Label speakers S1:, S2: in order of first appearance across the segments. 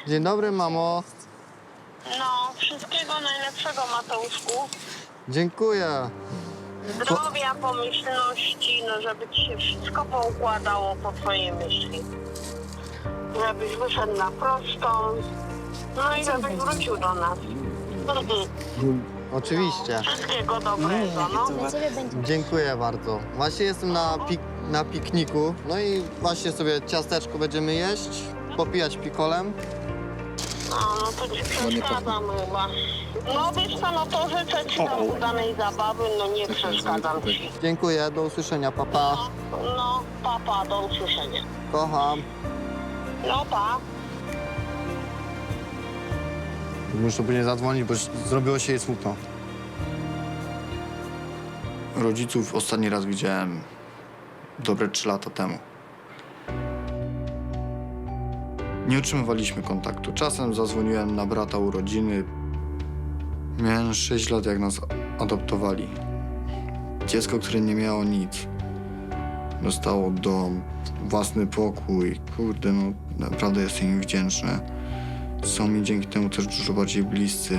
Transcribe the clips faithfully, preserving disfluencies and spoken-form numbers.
S1: Dzień dobry, mamo.
S2: No, wszystkiego najlepszego, Mateuszku.
S1: Dziękuję.
S2: Zdrowia, pomyślności, no żeby ci się wszystko poukładało po twojej myśli. Żebyś wyszedł na prostą, no i żebyś wrócił do nas.
S1: Oczywiście.
S2: Wszystkiego dobrego, no.
S1: Dziękuję bardzo. Właśnie jestem na, pik na pikniku. No i właśnie sobie ciasteczko będziemy jeść, popijać pikolem.
S2: No, no to ci przeszkadzam chyba. No wiesz co, no to życzę ci tam udanej zabawy, no nie przeszkadzam ci.
S1: Dziękuję, do usłyszenia, papa.
S2: No, no, papa, do usłyszenia.
S1: Kocham.
S2: No, pa.
S1: Muszę później zadzwonić, bo zrobiło się jej smutno.
S3: Rodziców ostatni raz widziałem dobre trzy lata temu. Nie utrzymywaliśmy kontaktu. Czasem zadzwoniłem na brata urodziny. Miałem sześć lat, jak nas adoptowali. Dziecko, które nie miało nic. Dostało dom, własny pokój. Kurde, no naprawdę jestem im wdzięczny. Są mi dzięki temu też dużo bardziej bliscy.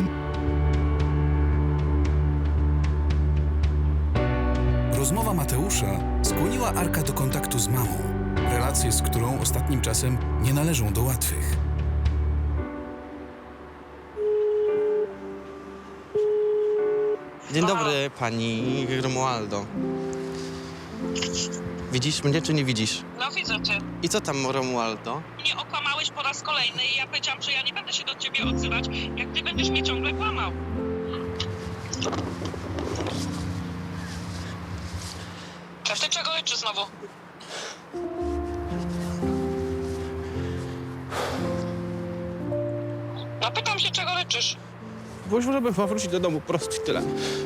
S4: Rozmowa Mateusza skłoniła Arka do kontaktu z mamą. Relacje, z którą ostatnim czasem nie należą do łatwych.
S5: Dzień dobry, pani Romualdo. Widzisz mnie, czy nie widzisz?
S6: No widzę cię.
S5: I co tam, Romualdo?
S6: Mnie okłamałeś po raz kolejny i ja powiedziałam, że ja nie będę się do ciebie odzywać, jak ty będziesz mnie ciągle kłamał. A ty czego liczysz znowu? No pytam się, czego liczysz?
S5: Byłeś, żeby wrócić do domu, po prostu tyle.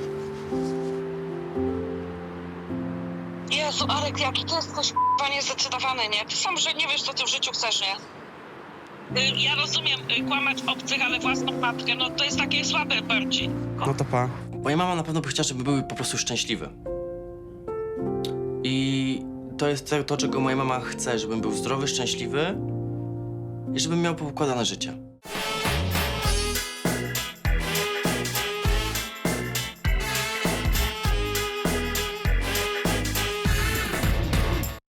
S6: Jezu, Arek, jaki ty jesteś k***a niezdecydowany, nie? Ty sam, że nie wiesz, co ty w życiu chcesz, nie? Y, Ja rozumiem y, kłamać obcych, ale własną matkę, no to jest takie słabe bardziej.
S5: No to pa.
S7: Moja mama na pewno by chciała, żeby były po prostu szczęśliwe. I to jest to, to, czego moja mama chce, żebym był zdrowy, szczęśliwy i żebym miał poukładane życie.